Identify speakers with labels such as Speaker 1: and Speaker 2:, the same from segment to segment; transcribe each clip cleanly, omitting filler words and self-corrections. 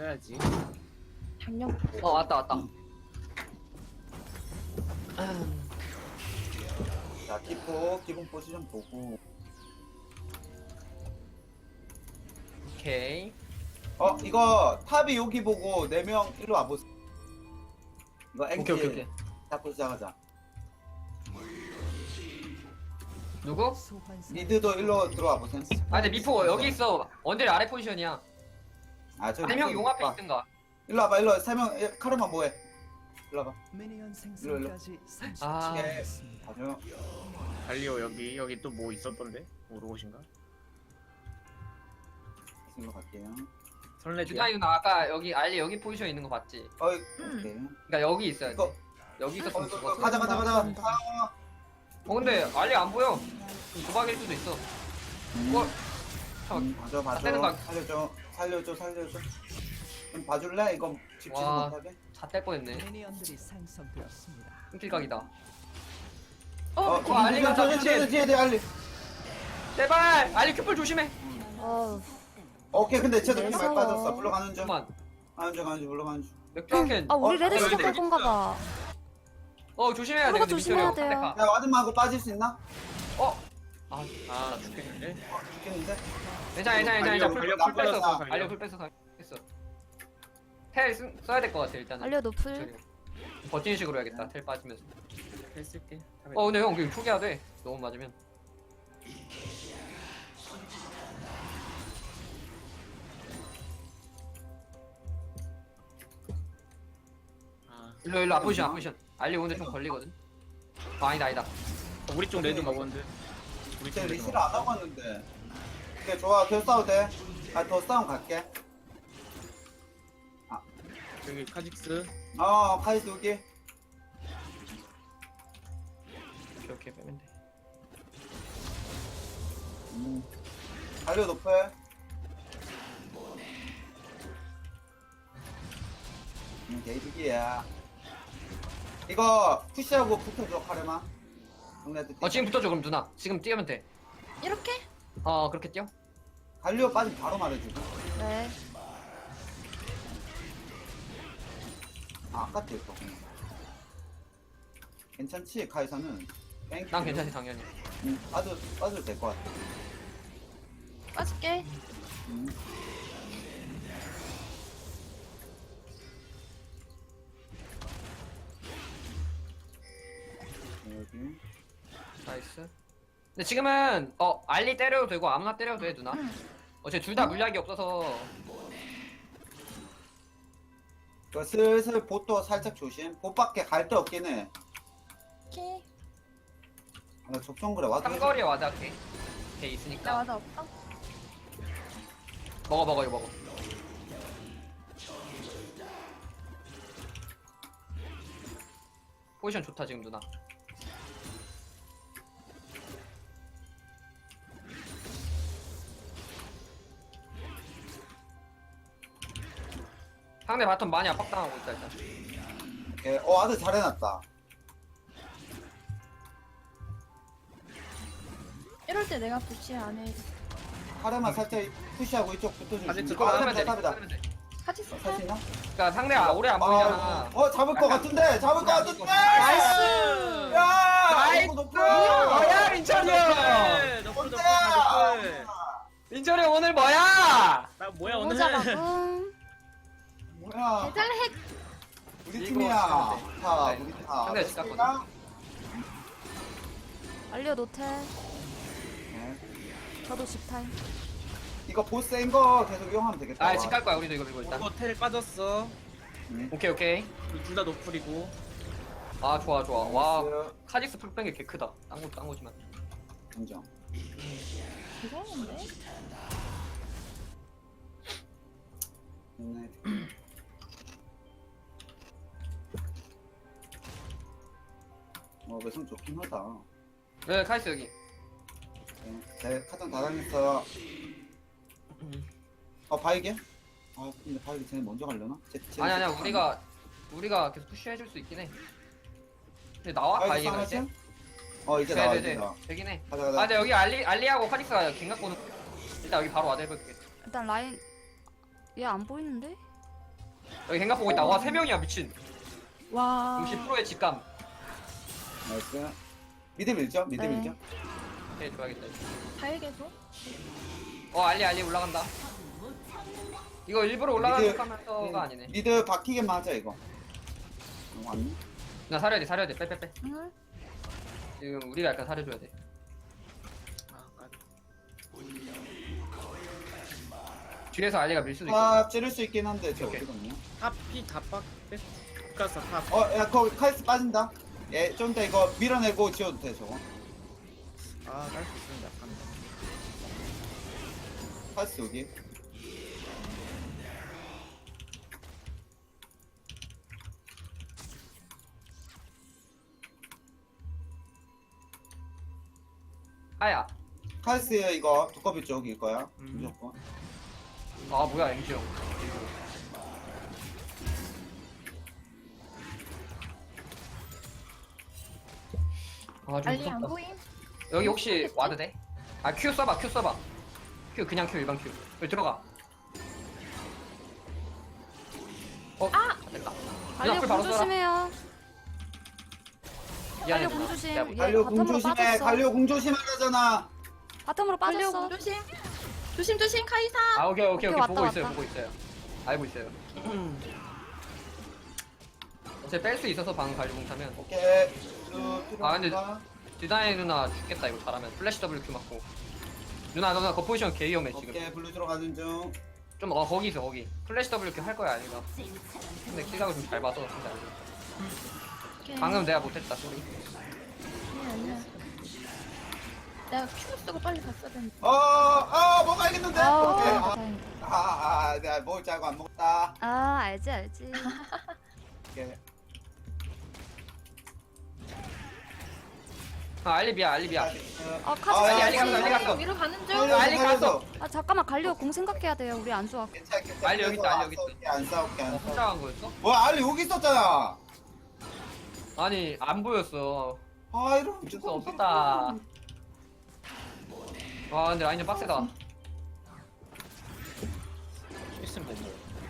Speaker 1: 써야지.
Speaker 2: 작년
Speaker 3: 왔다.
Speaker 4: 자, 키포 기본 포지션 보고.
Speaker 3: 오케이.
Speaker 4: 이거 탑이 여기 보고 4명 일로 와보세요. 이거 앵지
Speaker 3: 오케이.
Speaker 4: 잡고 시작하자.
Speaker 3: 누구?
Speaker 4: 미드도 일로 들어와 보세요.
Speaker 3: 근데 미포 여기 있어. 원딜 아래 포지션이야.
Speaker 4: 아, 저기
Speaker 3: 3명 용 앞에
Speaker 4: 봐.
Speaker 3: 있든가.
Speaker 4: 일로 와봐, 일로 와. 3명 카르마 뭐해? 일로 와봐.
Speaker 5: 미니언 생성까지
Speaker 3: 아.
Speaker 5: 30초 남았습니다.
Speaker 4: 가죠.
Speaker 1: 달리오 여기 또 뭐 있었던데? 오르고신가?
Speaker 4: 일로 갈게요.
Speaker 1: 설레지야.
Speaker 3: 누나 아까 여기 알리 여기 포지션 있는 거 봤지?
Speaker 4: 오케이.
Speaker 3: 그러니까 여기 있어야 돼.
Speaker 4: 이거
Speaker 3: 여기 있었으면
Speaker 4: 이거
Speaker 3: 죽었어.
Speaker 4: 가자.
Speaker 3: 근데 알리 안 보여. 도박일 수도 있어.
Speaker 4: 봐줘.
Speaker 3: 다 떼는 거.
Speaker 4: 살려줘. 좀 봐줄래? 이거 집중
Speaker 3: 와.
Speaker 4: 못하게.
Speaker 3: 잣될 뻔했네.
Speaker 5: 미니언들이 생성되었습니다.
Speaker 3: 끈킬각이다.
Speaker 4: 알리가 뒤에 알리.
Speaker 3: 제발 알리 큐플 조심해.
Speaker 4: 오케이, 근데 쟤도 많이
Speaker 2: 무서워.
Speaker 4: 빠졌어. 물러가는 중.
Speaker 3: 잠깐만.
Speaker 4: 물러가는 중.
Speaker 3: 맥주 한 캔.
Speaker 2: 아 우리 레드
Speaker 3: 어,
Speaker 2: 시작 갈
Speaker 3: 네.
Speaker 2: 건가 봐.
Speaker 3: 조심해야 돼.
Speaker 2: 그거
Speaker 3: 근데
Speaker 2: 조심해야
Speaker 3: 밑으로
Speaker 2: 돼요.
Speaker 3: 선택하.
Speaker 4: 야, 와드만 하고 빠질 수 있나?
Speaker 3: 아
Speaker 1: 아 죽겠는데?
Speaker 4: 죽겠는데?
Speaker 3: 괜찮아.
Speaker 1: 달려,
Speaker 3: 풀
Speaker 1: 달려,
Speaker 3: 뺐어.
Speaker 1: 달려.
Speaker 3: 알려 풀 뺐어. 텔 써야 될 것 같아 일단은.
Speaker 2: 알려 노플.
Speaker 3: 저기. 버티는 식으로 해야겠다. 텔 빠지면서.
Speaker 1: 했을게.
Speaker 3: 근데 형 그냥 초기화 돼. 너무 맞으면. 일로 앞포지션. 알리 오는데 좀 걸리거든. 아니다.
Speaker 1: 우리 쪽 레드 먹었는데. 우리
Speaker 4: 쟤
Speaker 1: 쪽 레드
Speaker 4: 리시를 안 하고 왔는데. 오케이, 좋아. 계속 싸워도 돼. 더 싸움 갈게.
Speaker 1: 저기 카직스.
Speaker 4: 카이스 여기.
Speaker 3: 오케이 빼면 돼.
Speaker 4: 달려 높여. 개이득이야. 이거 푸시하고 붙어줘, 카레마.
Speaker 3: 지금 붙어줘 그럼 누나. 지금 뛰면 돼.
Speaker 2: 이렇게?
Speaker 3: 그렇게 뛰어.
Speaker 4: 갈리오 빠지면 바로 말해주고.
Speaker 2: 네.
Speaker 4: 아까 뛸 거. 괜찮지, 카이사는? 땡큐.
Speaker 3: 난 괜찮지 당연히.
Speaker 4: 빠져도 될 것 같아.
Speaker 2: 빠질게.
Speaker 4: 여기.
Speaker 3: 나이스. 근데 지금은 알리 때려도 되고 아무나 때려도 돼 누나. 어차피 둘 다 물약이 없어서.
Speaker 4: 그 슬슬 보도 살짝 조심. 보밖에 갈 데 없긴 해.
Speaker 2: 오케이.
Speaker 4: 적정거래 와도.
Speaker 3: 삼거리에 와자 걔. 걔
Speaker 2: 나
Speaker 3: 있으니까.
Speaker 2: 맞아 없다.
Speaker 3: 먹어 이거 먹어. 포지션 좋다 지금 누나. 상대 바텀 많이 압박당하고 있다 일단.
Speaker 4: 오케이. 아들 잘 해놨다.
Speaker 2: 이럴 때 내가 푸시 안 해.
Speaker 4: 카레마 살짝 푸시하고 이쪽 붙어주고.
Speaker 1: 아직
Speaker 3: 이거 끊으면 돼.
Speaker 4: 탑이다.
Speaker 3: 끊으면 돼.
Speaker 2: 같이
Speaker 4: 살수
Speaker 2: 쓸게.
Speaker 4: 있나?
Speaker 3: 그러니까 상대가 오래 안 보이잖아.
Speaker 4: 잡을 것 같은데.
Speaker 3: 나이스!
Speaker 4: 야!
Speaker 3: 나이스!
Speaker 4: 이거 높아.
Speaker 3: 뭐야 민철이 형!
Speaker 1: 너프.
Speaker 3: 민철이 형 오늘 뭐야?
Speaker 1: 나 뭐야
Speaker 2: 너무
Speaker 1: 오늘?
Speaker 2: 잘하고.
Speaker 4: 뭐야?
Speaker 2: 대달 핵.
Speaker 4: 우리
Speaker 3: 이거
Speaker 4: 팀이야.
Speaker 3: 하면 돼.
Speaker 4: 자,
Speaker 3: 네.
Speaker 4: 우리 팀.
Speaker 3: 상대 집 갔거든.
Speaker 2: 알려 노텔.
Speaker 4: 네.
Speaker 2: 저도 집타임.
Speaker 4: 이거 보스인 거 계속 이용하면 되겠다.
Speaker 3: 집 갈 거야 우리도 이거 밀고 일단.
Speaker 1: 텔 빠졌어.
Speaker 3: 오케이.
Speaker 1: 둘 다 노플이고.
Speaker 3: 아 좋아. 와 카직스 풀 뺀 게 개 크다. 딴 거지만.
Speaker 4: 인정.
Speaker 2: 이상한데?
Speaker 4: 네. 외성 좋긴 하다.
Speaker 3: 네 카이스 여기.
Speaker 4: 제 카정 다 당했어. 바이게? 근데 바이게 쟤네 먼저 가려나?
Speaker 3: 아니야 우리가 계속 푸시해줄 수 있긴 해. 근데 나와 바이가 이제.
Speaker 4: 이제 나와 이제
Speaker 3: 네네네
Speaker 4: 나와.
Speaker 3: 되긴 해.
Speaker 4: 가자.
Speaker 3: 근데 여기 알리하고 카직스가 갱 갖고는 일단 여기 바로 와대 해볼게.
Speaker 2: 일단 라인 얘 안 보이는데?
Speaker 3: 여기 생각 보고 있다. 와 3명이야 미친.
Speaker 2: 와.
Speaker 3: 60%의 직감.
Speaker 4: 나이스. 미드 밀죠? 미드
Speaker 2: 네.
Speaker 4: 밀죠?
Speaker 3: 오케이 좋아야겠다.
Speaker 2: 다일계속?
Speaker 3: 알리 올라간다. 이거 일부러 올라가는
Speaker 4: 미드-
Speaker 3: 척하면서가 아니네.
Speaker 4: 미드 박히게만 하자 이거. 아니.
Speaker 3: 나 사려야 돼. 빼.
Speaker 2: 응.
Speaker 3: 지금 우리가 약간 사려줘야 돼.
Speaker 1: 아, 까비.
Speaker 3: 뒤에서 알리가 밀 수도 있고.
Speaker 4: 아 찌를 수 있긴 한데 저
Speaker 3: 오케이.
Speaker 4: 어디거든요.
Speaker 1: 탑이 다 가서 탑.
Speaker 4: 야 거기 카이스 빠진다. 좀 이따 이거 밀어내고 지워도 돼 저거.
Speaker 1: 아, 갈 수 있습니다. 갑니다.
Speaker 4: 카이스 여기.
Speaker 3: 아야.
Speaker 4: 카이스 이거 두꺼비 쪽일 거야.
Speaker 1: 음.
Speaker 4: 무조건.
Speaker 3: 아 뭐야 엠지 형. 아 좀
Speaker 2: 알리 안
Speaker 3: 무섭다.
Speaker 2: 보임?
Speaker 3: 여기 혹시 와드 돼? 아 Q 써봐. Q 그냥 Q 일반 Q. 여기 들어가. 됐다.
Speaker 2: 알리
Speaker 3: 앞을 바로
Speaker 2: 공
Speaker 3: 써라.
Speaker 2: 조심해요.
Speaker 3: 미안해.
Speaker 2: 갈려 공 조심.
Speaker 3: 내가
Speaker 2: 얘
Speaker 4: 갈려 공
Speaker 2: 바텀으로
Speaker 4: 조심해.
Speaker 2: 빠졌어.
Speaker 4: 갈려 공 조심하라잖아.
Speaker 2: 바텀으로 빠졌어.
Speaker 6: 조심 카이사.
Speaker 3: 아 오케이
Speaker 2: 오케이, 왔다,
Speaker 3: 보고 있어요.
Speaker 2: 왔다.
Speaker 3: 보고 있어요. 알고 있어요. 어차피 뺄 수 있어서 방금 갈리공 타면.
Speaker 4: 오케이.
Speaker 3: 아, 근데- 디다이 누나 죽겠다 이거 잘하면. 플래시 WQ 맞고. 누나 그 포지션 개 위험해 지금.
Speaker 4: 오케이 블루 들어가는 중.
Speaker 3: 좀 거기 있어 거기. 플래시 WQ 할 거야 아니가. 근데 킬각을 좀 잘 봐서 진짜 안 돼. 방금 내가 못했다 소리.
Speaker 6: 아니야. 내가 큐 쓰고 빨리 갔어야 되는데.
Speaker 4: 뭐가 알겠는데?
Speaker 2: 아우
Speaker 4: 오케이.
Speaker 2: 다행이다.
Speaker 4: 내가 먹을 줄 알고 안 먹었다.
Speaker 2: 아 알지.
Speaker 4: 오케이.
Speaker 3: 알리비야.
Speaker 2: 아 카드.
Speaker 3: 알리 갔어.
Speaker 6: 위로 가는 중.
Speaker 3: 알리 갔어.
Speaker 2: 아 잠깐만 갈려 공 생각해야 돼요. 우리 안 좋아.
Speaker 4: 괜찮아.
Speaker 3: 알리 여기 있다, 알리 여기 있다.
Speaker 4: 안 싸울게 안 싸울게.
Speaker 3: 혼자 간 거였어?
Speaker 4: 뭐야 알리 여기 있었잖아.
Speaker 3: 아니 안 보였어.
Speaker 4: 이런
Speaker 3: 어쩔 수 없다. 와 근데 라인 좀 빡세다.
Speaker 1: 있으면 되죠.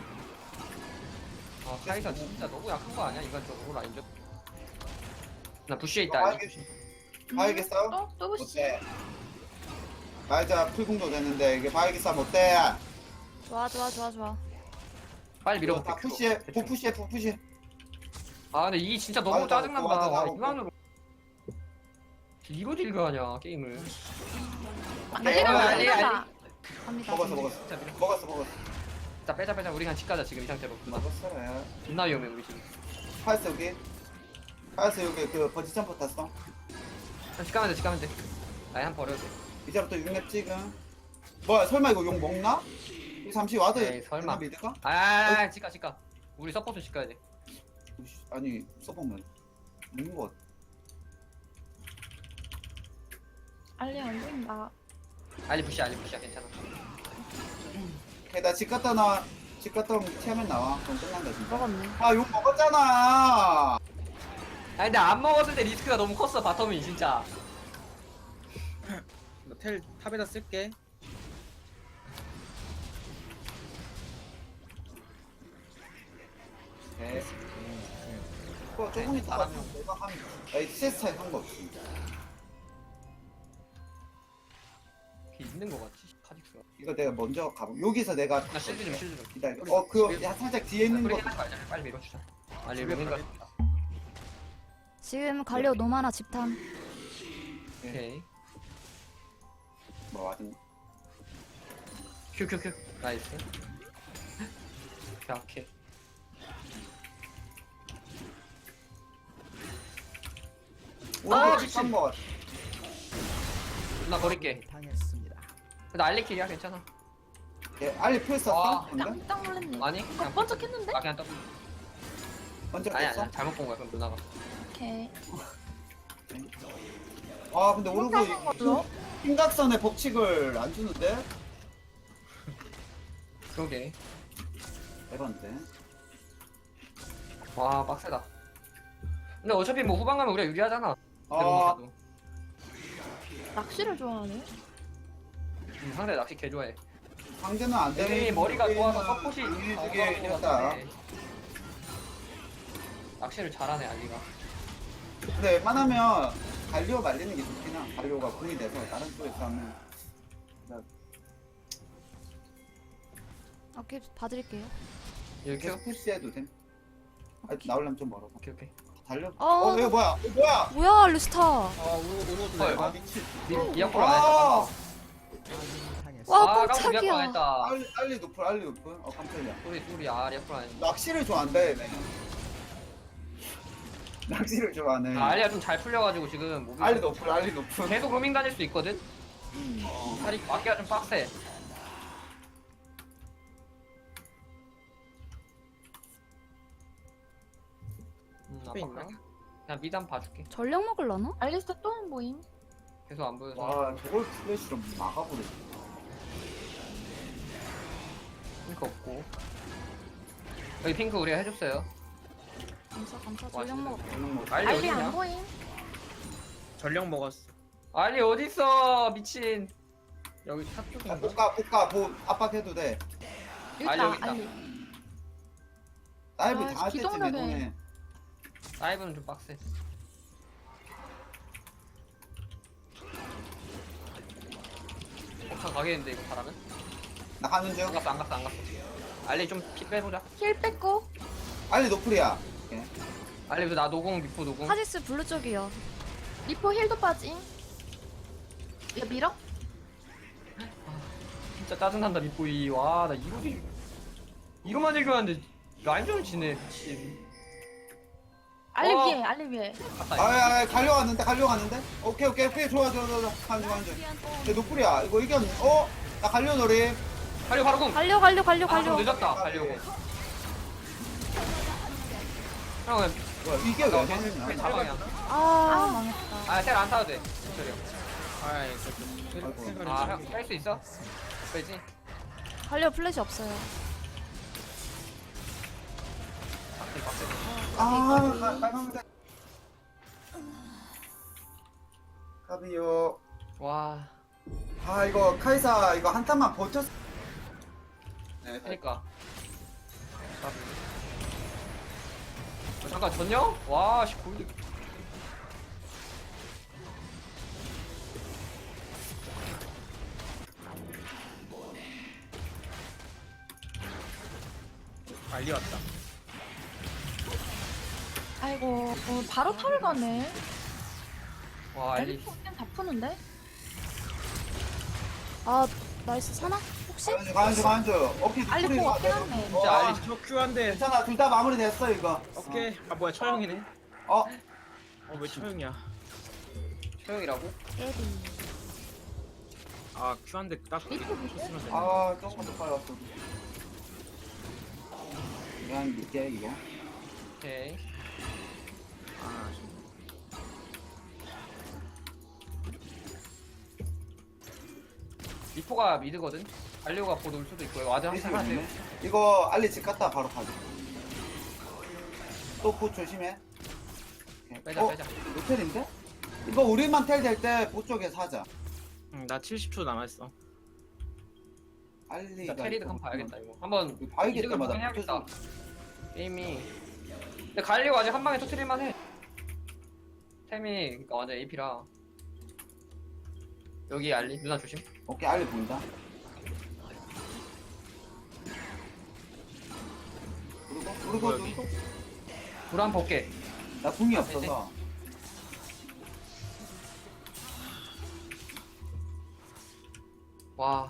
Speaker 3: 아 카이사 진짜 너무 약한 거 아니야 인간적으로 라인전? 나 부시에 있다.
Speaker 4: 바에게 싸움?
Speaker 6: 또 보시.
Speaker 4: 어때? 말자 풀공도 됐는데 이게 바에게 싸움 어때?
Speaker 2: 좋아.
Speaker 3: 빨리 밀어볼게.
Speaker 4: 다 푸시해. 푸시해.
Speaker 3: 아 근데 이게 진짜 너무
Speaker 4: 맞아,
Speaker 3: 짜증난다.
Speaker 4: 맞아,
Speaker 3: 와
Speaker 4: 맞아.
Speaker 3: 인간으로 이로 딜가하냐 게임을.
Speaker 6: 알리.
Speaker 2: 갑니다.
Speaker 4: 먹었어.
Speaker 3: 진짜 밀어.
Speaker 4: 먹었어.
Speaker 3: 자 빼자. 우리 그냥 집 가자 지금 이 상태로.
Speaker 4: 먹었어.
Speaker 3: 존나 위험해 우리 지금.
Speaker 4: 파이스 여기. 파이스 여기 그 버지 점프 탔어.
Speaker 3: 집 가면 돼. 라인 한 번 버려도 돼.
Speaker 4: 이제부터 6렙 찍음. 뭐야 설마 이거 욕 먹나? 이 잠시 와드.
Speaker 3: 에이, 설마.
Speaker 4: 미드가?
Speaker 3: 아 집 가. 우리 서포트 집 가야 돼.
Speaker 4: 아니 써보면 먹는 거.
Speaker 6: 알리 안 보인다.
Speaker 3: 알리 부시야 괜찮아.
Speaker 4: 오케이 나집 갔다 나와. 집 갔다 오면 티하면 나와. 그럼 끝난다 진짜.
Speaker 2: 먹었네.
Speaker 4: 욕 먹었잖아.
Speaker 3: 아니 근데 안 먹었을 때 리스크가 너무 컸어 바텀이 진짜.
Speaker 1: 텔 탑에다 쓸게.
Speaker 4: 네. 그거 조금 있다 가면 내가 한 CS 차이 한거 없지.
Speaker 3: 있는 거 같지 카직스가.
Speaker 4: 이거 내가 먼저 가보. 여기서 내가
Speaker 3: 나 실드 좀.
Speaker 4: 기다려. 그거 살짝 뒤에 있는
Speaker 3: 우리
Speaker 4: 거.
Speaker 3: 하지 말자. 빨리 밀어주자. 알리 밀는 거.
Speaker 2: 지금 갈려 노마나 집탐.
Speaker 3: 오케이.
Speaker 4: 뭐 하든.
Speaker 3: 큐. 나이스. 오케이.
Speaker 4: 오,
Speaker 3: 미친.
Speaker 4: 한 번.
Speaker 3: 나 버릴게.
Speaker 5: 당했습니다.
Speaker 3: 나 알리킬이야 괜찮아.
Speaker 4: 예, 알리 풀 썼어?
Speaker 3: 아,
Speaker 4: 근데?
Speaker 6: 깜짝 놀랐네.
Speaker 3: 아니
Speaker 6: 이거
Speaker 3: 그냥
Speaker 6: 번쩍했는데?
Speaker 3: 아 그냥 떠.
Speaker 4: 먼저
Speaker 3: 아니
Speaker 4: 됐어?
Speaker 3: 잘못 본 거야 그럼 누나가.
Speaker 6: 오케이.
Speaker 4: 근데 오르고 힘각선의 법칙을 안 주는데?
Speaker 3: 그러게.
Speaker 4: 에반데.
Speaker 3: 와 빡세다. 근데 어차피 뭐 후반 가면 우리가 유리하잖아.
Speaker 4: 아,
Speaker 6: 낚시를 좋아하네.
Speaker 3: 상대 낚시 개 좋아해.
Speaker 4: 상대는 안 되는.
Speaker 3: 애들이 머리가 좋아서
Speaker 4: 우리는
Speaker 3: 서폿이
Speaker 4: 강해지게 했다.
Speaker 3: 낚시를 잘하네 알리가.
Speaker 4: 근데 웬만하면 갈리오 말리는 게 좋긴 해. 갈리오가 공이 돼서 다른 쪽에서 하면
Speaker 2: 오케이 봐드릴게요.
Speaker 3: 이렇게.
Speaker 4: 계속 푸시해도 됨. 아, 나오려면 좀 멀어.
Speaker 3: 오케이 오케이.
Speaker 4: 달려.
Speaker 2: 어.
Speaker 4: 이거 뭐야? 이거 뭐야?
Speaker 2: 뭐야 루스타.
Speaker 1: 아 오너도
Speaker 3: 헐.
Speaker 1: 내가
Speaker 4: 아, 미친.
Speaker 3: 이어폰 안 했다.
Speaker 4: 아,
Speaker 5: 아군이 당했습니다.
Speaker 2: 와
Speaker 3: 깜짝 이어폰 안
Speaker 2: 깜짝이야.
Speaker 3: 했다.
Speaker 4: 알리 높을, 알리 높을. 깜짝이야.
Speaker 3: 우리 이어폰 안 했다.
Speaker 4: 낚시를 좋아한대, 내가. 낚시를 좋아하네.
Speaker 3: 알리가 좀 잘 풀려가지고 지금 몸이
Speaker 4: 알리 높을, 알리 높을.
Speaker 3: 계속 로밍 다닐 수 있거든. 다리 맞기가 좀 빡세.
Speaker 1: 탑에 있나?
Speaker 3: 아빠가 그냥 미드 한번 봐줄게.
Speaker 2: 전력 먹을라나?
Speaker 6: 알리스타 또 안 보임.
Speaker 3: 계속 안 보여서.
Speaker 4: 와, 저걸 플래시로 막아버려.
Speaker 3: 핑크 없고. 여기 핑크 우리가 해줬어요.
Speaker 2: 감사 감사
Speaker 3: 와,
Speaker 2: 전력 먹었다.
Speaker 3: 알리
Speaker 6: 알리 안
Speaker 3: 어딨냐?
Speaker 6: 보임.
Speaker 1: 전력 먹었어.
Speaker 3: 알리 어딨어 미친.
Speaker 1: 여기 탑
Speaker 4: 아,
Speaker 1: 쪽인가?
Speaker 4: 볶아, 압박해도 돼.
Speaker 6: 여기
Speaker 3: 알리 여기
Speaker 6: 있다.
Speaker 3: 있다.
Speaker 6: 알리.
Speaker 4: 다이브
Speaker 6: 아,
Speaker 4: 다 했지, 내
Speaker 6: 기동력에.
Speaker 4: 돈에.
Speaker 3: 다이브는 좀 빡세. 엄청 가겠는데 이거 잘하면?
Speaker 4: 나 가는 중.
Speaker 3: 안 갔어 안 갔어 안 갔어. 알리 좀 피 빼보자.
Speaker 6: 힐 뺐고.
Speaker 4: 알리 노플이야.
Speaker 3: 알리 나 노공 미포 노공.
Speaker 2: 카직스 블루 쪽이요.
Speaker 6: 리포 힐도 빠짐. 이거 밀어?
Speaker 3: 진짜 짜증난다 미포이. 와나 이거만 읽었는데 라인전을 지네 미친.
Speaker 6: 알리
Speaker 3: 어.
Speaker 6: 위에. 알리 위에.
Speaker 3: 갔다.
Speaker 4: 아, 갈려갔는데? 오케이, 좋아. 가는 중. 내 노플이야. 이거 이겼네. 나 갈려 노래.
Speaker 3: 갈려 바로 공.
Speaker 2: 갈려
Speaker 3: 아, 좀 늦었다. 갈려. 형,
Speaker 4: 뭐야, 이게 왜
Speaker 3: 나
Speaker 4: 되느냐?
Speaker 3: 사방이야.
Speaker 2: 아 망했다.
Speaker 3: 아, 셀안 타도 돼. 저리요.
Speaker 1: 아이
Speaker 4: 아이고.
Speaker 3: 아, 형, 뺄 수 있어? 빼지?
Speaker 2: 갈려 플래시 없어요.
Speaker 3: 빡세, 빡세.
Speaker 4: 빨간색. 가비요.
Speaker 3: 와,
Speaker 4: 이거 카이사 이거 한 탄만 버텼. 네,
Speaker 3: 그니까. 잠깐, 전령? 와, 씨, 골드.
Speaker 1: 알리 왔다.
Speaker 6: 아이고. 바로 탑을 가네.
Speaker 3: 와, 알리.
Speaker 6: 알리 포는 다 푸는데?
Speaker 2: 아 나이스 사나? 혹시?
Speaker 4: 가는 중. 오케이,
Speaker 6: 알리
Speaker 4: 노플이
Speaker 6: 포
Speaker 4: 이거.
Speaker 6: 깨놨네.
Speaker 3: 진짜 알리.
Speaker 1: 저 큐한데.
Speaker 4: 괜찮아, 둘 다 마무리됐어 이거.
Speaker 1: 오케이. 아 뭐야 처형이네. 왜 처형이야?
Speaker 3: 소영이라고?
Speaker 2: 에디.
Speaker 1: 아 큐한데 딱
Speaker 6: 리포 밑에?
Speaker 1: 쳤으면 되네.
Speaker 4: 조금만 더 빨리 왔어. 미안, 밑에 이거.
Speaker 3: 오케이.
Speaker 1: 아
Speaker 3: 리포가 미드거든? 알리오가 곧 올 수도 있고, 와드 항상 하세요.
Speaker 4: 이거 알리 집 갔다 바로 가자. 또보 조심해.
Speaker 3: 빼자, 빼자.
Speaker 4: 호텔인데? 이거 우리만 텔 될 때 보 쪽에 사자.
Speaker 1: 나 70초 남았어.
Speaker 4: 알리가
Speaker 3: 나 캐리드 한번 봐야겠다, 이거. 한번
Speaker 4: 이거 봐야겠다,
Speaker 3: 이득을
Speaker 4: 마다.
Speaker 3: 보긴 해야겠다. 게임이. 근데 갈리오 아직 한 방에 터트릴만 해. 템이, 그니까 완전 AP라. 여기 알리, 누나 조심.
Speaker 4: 오케이, 알리 보인다. 그리고
Speaker 1: 여기?
Speaker 3: 불 한 번 볼게.
Speaker 4: 나 궁이 없어서.
Speaker 3: 와.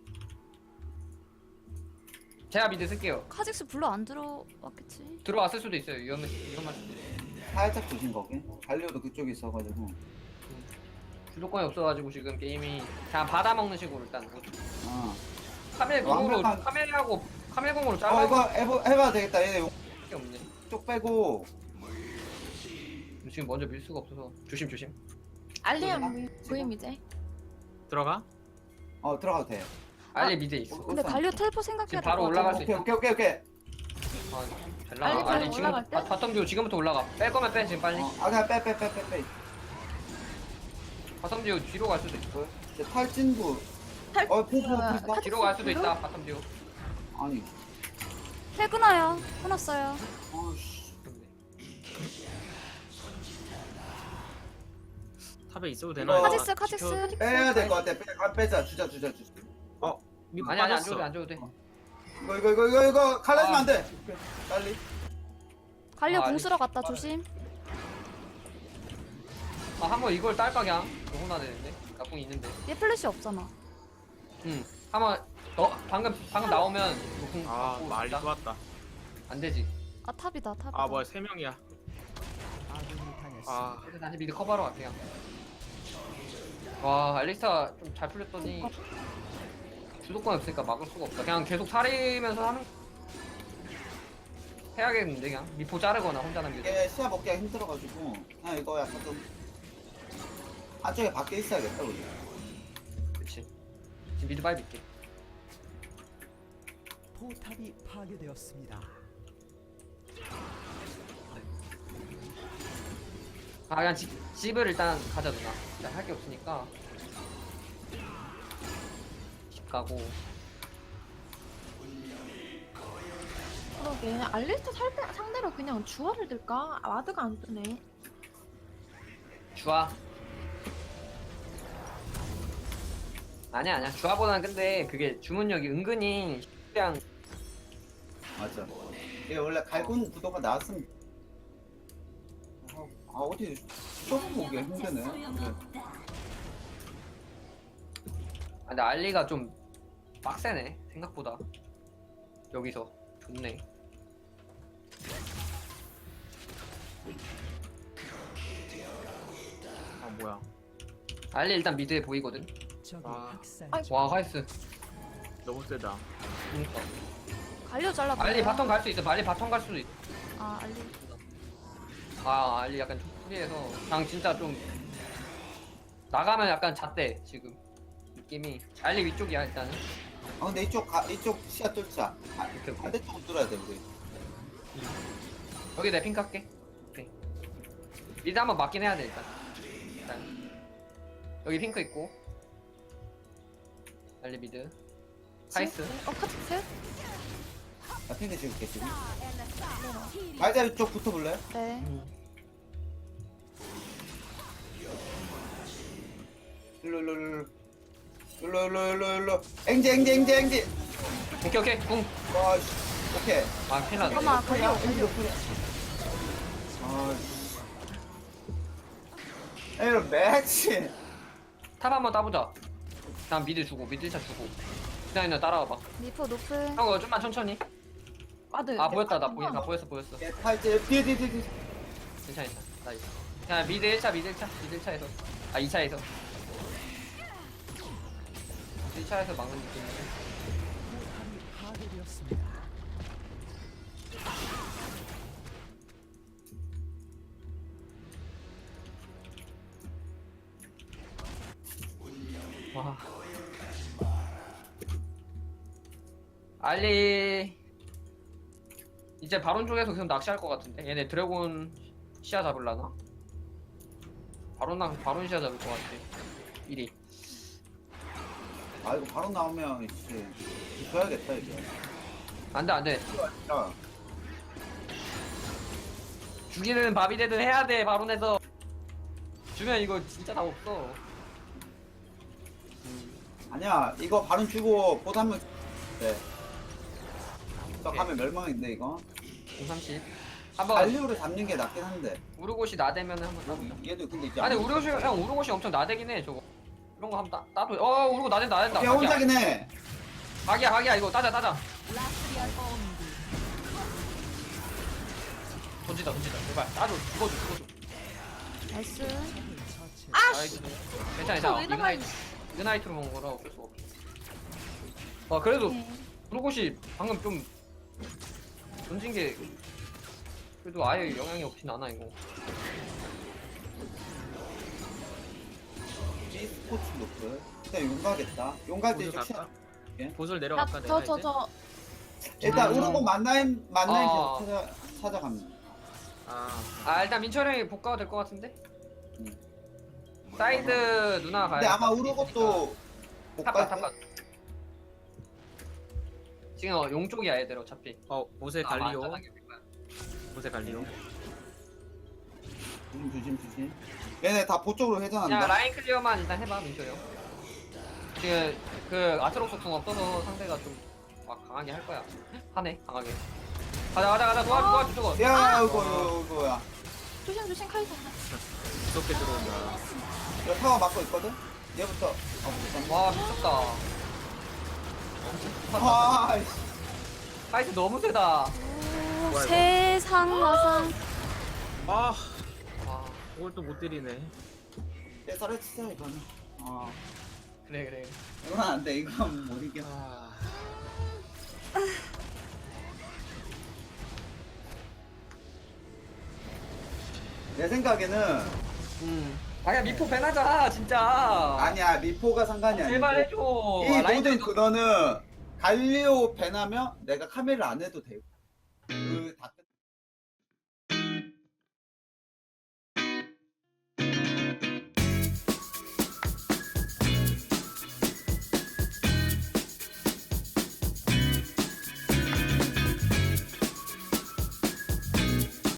Speaker 3: 제가 미드 쓸게요.
Speaker 2: 카직스 블루 안 들어왔겠지?
Speaker 3: 들어왔을 수도 있어요. 위험할 수도 있어요.
Speaker 4: 살짝 조심 거기. 갈리오도 그쪽에 있어가지고.
Speaker 3: 주도권이 없어가지고 지금 게임이 그냥 받아먹는 식으로 일단
Speaker 4: 어.
Speaker 3: 카멜공으로
Speaker 4: 완벽한-
Speaker 3: 카멜공으로
Speaker 4: 이거
Speaker 3: 잘라
Speaker 4: 해봐야 되겠다. 얘네
Speaker 3: 게 없네.
Speaker 4: 쪽 빼고.
Speaker 3: 지금 먼저 밀 수가 없어서 조심.
Speaker 6: 알리 안 보임 이제.
Speaker 1: 들어가?
Speaker 4: 들어가도 돼.
Speaker 3: 알리 미드에 있어.
Speaker 2: 근데 갈려 텔포 생각해야
Speaker 3: 지금
Speaker 2: 될
Speaker 3: 바로
Speaker 2: 것
Speaker 3: 올라갈
Speaker 2: 같아.
Speaker 3: 수 있어.
Speaker 4: 오케이.
Speaker 3: 아, 잘
Speaker 6: 알리
Speaker 3: 나가.
Speaker 6: 바로
Speaker 3: 알리 지금
Speaker 6: 올라갈 때?
Speaker 3: 바텀 듀오 지금부터 올라가. 뺄 거면 빼 지금 빨리.
Speaker 4: 그냥 빼.
Speaker 3: 바텀 듀오 뒤로 갈 수도 있어.
Speaker 4: 이제 탈진구.
Speaker 6: 탈-
Speaker 4: 포.
Speaker 6: 카드
Speaker 3: 뒤로 갈 수도
Speaker 6: 뒤로?
Speaker 3: 있다. 바텀 듀오.
Speaker 4: 아니.
Speaker 2: 텔 끊어요. 끊었어요.
Speaker 4: 씨.
Speaker 1: 탑에 있어도 되나?
Speaker 4: 이거-
Speaker 2: 카직스 카직스.
Speaker 4: 빼야 될 것 같아. 빼자. 주자.
Speaker 1: 미포
Speaker 3: 아니 안
Speaker 1: 빠졌어.
Speaker 3: 줘도 돼, 안 줘도 돼.
Speaker 4: 이거 갈라지면 안 돼. 오케이, 빨리.
Speaker 2: 갈려
Speaker 3: 아,
Speaker 2: 공
Speaker 3: 알리.
Speaker 2: 쓰러 갔다 조심.
Speaker 3: 아 한번 이걸 딸까 그냥. 이거 혼나 되는데. 나궁 있는데.
Speaker 2: 얘 플래시 없잖아.
Speaker 3: 응. 한번 너 방금 나오면 궁
Speaker 1: 아
Speaker 3: 갖고
Speaker 1: 말리
Speaker 3: 있다.
Speaker 1: 또 왔다.
Speaker 3: 안 되지.
Speaker 2: 아 탑이다 탑이다.
Speaker 1: 아 뭐야 3명이야.
Speaker 5: 아군이 당했습니다.
Speaker 1: 아
Speaker 3: 그래서 다시 미드 커버하러 갈게요. 와 알리스타 좀 잘 풀렸더니 주도권 없으니까 막을 수가 없다. 그냥 계속 사리면서 하는 해야겠는데 그냥 미포 자르거나 혼자 남기고.
Speaker 4: 이게 시야 먹기가 힘들어가지고 그냥 이거 약간 좀 안쪽에 밖에 있어야겠다 우리.
Speaker 3: 그치. 지금 미드 바이 믿게.
Speaker 5: 포탑이 파괴되었습니다.
Speaker 3: 아 그냥 집을 일단 가자 누나. 일단 할 게 없으니까 집 가고.
Speaker 6: 그러게 알리스타 상대로 그냥 주화를 들까? 아, 와드가 안 뜨네.
Speaker 3: 주아. 아니야 주아보다는 근데 그게 주문력이 은근히 그냥
Speaker 4: 맞아. 이게 원래 갈군 구도가 나왔으면 어떻게 쳐보기가 힘드네. 그래.
Speaker 3: 아, 근데 알리가 좀 빡세네 생각보다. 여기서 좋네.
Speaker 1: 아 뭐야.
Speaker 3: 알리 일단 미드에 보이거든.
Speaker 5: 적이
Speaker 1: 아.
Speaker 5: 학살
Speaker 6: 아이고.
Speaker 3: 와 하이스.
Speaker 1: 너무 세다.
Speaker 3: 그러니까.
Speaker 2: 갈려 잘라.
Speaker 3: 알리 바텀 갈 수 있어. 알리 바텀 갈 수도 있어.
Speaker 2: 아 알리.
Speaker 3: 아 알리 약간 좀 프리해서 그냥 진짜 좀 나가면 약간 잣대 지금 느낌이. 알리 위쪽이야 일단은.
Speaker 4: 근데 이쪽 시야 뚫자.
Speaker 3: 오케이 오케이.
Speaker 4: 반대쪽 뚫어야 돼 우리.
Speaker 3: 여기 내 핑크 할게. 오케이. 미드 한번 맞긴 해야 돼 일단. 여기 핑크 있고. 알리 미드. 하이스.
Speaker 6: 카직스?
Speaker 4: 나 핑크 찍을게 지금. 말자 쪽 붙어볼래?
Speaker 2: 네.
Speaker 4: 일로. 앵지.
Speaker 3: 오케이 궁.
Speaker 4: 와, 씨. 오케이.
Speaker 3: 아 큰일 났네.
Speaker 2: 잠깐만 갈려.
Speaker 4: 에이, 매치.
Speaker 3: 탑 한번 따보자. 난 미드 주고 미드 차 주고. 그냥 나 따라와봐.
Speaker 2: 미포 노플.
Speaker 3: 형 어, 좀만 천천히.
Speaker 6: 와드.
Speaker 3: 아 보였다 나 보였어.
Speaker 4: 팔찌 뒤에.
Speaker 3: 괜찮아. 나이스. 그냥 미드 1차에서. 아 2차에서. 1차에서 막는 느낌이네.
Speaker 5: 포탑이 파괴되었습니다.
Speaker 3: 와. 알리 이제 바론 쪽에서 계속 낚시할 것 같은데. 얘네 드래곤 시야 잡을라나? 바론 시야 잡을 것 같아. 1위.
Speaker 4: 아 이거 바로 나오면 이제 줘야겠다 이게.
Speaker 3: 안돼.
Speaker 4: 자,
Speaker 3: 죽이는 밥이 되든 해야 돼. 바론에서 주면 이거 진짜 다 없어.
Speaker 4: 아니야 이거 바로 주고 보드 한번. 네. 또 가면 멸망인데 이거.
Speaker 3: 030. 한번
Speaker 4: 알리오를 잡는 게 낫긴 한데.
Speaker 3: 우르고시 나대면 한번 따보자.
Speaker 4: 얘도 근데 이제.
Speaker 3: 아니
Speaker 4: 안
Speaker 3: 우르고시
Speaker 4: 먹었어.
Speaker 3: 형 우르고시 엄청 나대긴 해 저거. 이런 거 한번 따도. 우르고 나댄다.
Speaker 4: 걔
Speaker 3: 각이야.
Speaker 4: 혼자긴 해.
Speaker 3: 각이야 이거 따자. 던지다 제발 따줘. 죽어줘.
Speaker 2: 나이스.
Speaker 5: 처치.
Speaker 3: 아이고. 괜찮아.
Speaker 6: 저 왜
Speaker 3: 이그나이트로 먹은 거라 어쩔 수 없어. 그래도
Speaker 6: 네.
Speaker 3: 우르고시 방금 좀 던진 게 그래도 아예 영향이 없진 않아 이거.
Speaker 4: G 스포츠 노크. 일단 용 가겠다. 용 갈 때
Speaker 1: 보슬
Speaker 4: 이쪽 시야.
Speaker 1: 갈까?
Speaker 4: 예?
Speaker 1: 보슬 내려갈까 내가 이제?
Speaker 4: 일단 우르고 만나임
Speaker 3: 아.
Speaker 4: 계속 찾아갑니다.
Speaker 3: 아 일단 민철 형이 복가가 될 것 같은데? 사이드 누나 가야
Speaker 4: 근데 아마 우르고도 못 갈.
Speaker 3: 탑가 지금 용 쪽이야 애들 어차피.
Speaker 1: 보세
Speaker 3: 아마
Speaker 1: 갈리오.
Speaker 3: 안전하게 될 거야.
Speaker 1: 보세 갈리오.
Speaker 4: 조심. 얘네 다 보 쪽으로
Speaker 3: 그냥
Speaker 4: 회전한다.
Speaker 3: 라인 클리어만 일단 해봐 민철 형. 지금 그 아트록스 궁 없어서 상대가 좀 막 강하게 할 거야. 하네 강하게. 가자 도와줘 저거.
Speaker 4: 야 이거야.
Speaker 6: 조심 카이사.
Speaker 1: 무섭게 들어온다.
Speaker 4: 이거 타워 막고 있거든. 얘부터.
Speaker 3: 와 미쳤다.
Speaker 4: 아,
Speaker 3: 파이트 너무 세다.
Speaker 2: 오,
Speaker 1: 뭐야,
Speaker 2: 세상 마상.
Speaker 1: 아,
Speaker 3: 와
Speaker 1: 그걸 또 못 때리네.
Speaker 4: 얘 썰어 치자 이거는. 아,
Speaker 3: 그래.
Speaker 4: 이건 안 돼. 이건 못 이겨.
Speaker 1: 아,
Speaker 4: 내 생각에는
Speaker 3: 아야 미포 배나자 진짜.
Speaker 4: 아니야 미포가 상관이 아니고.
Speaker 3: 제발 해줘.
Speaker 4: 이
Speaker 3: 라인
Speaker 4: 모든 그거는 갈리오 배나면 내가 카메라를 안 해도 되고. 그다 끝.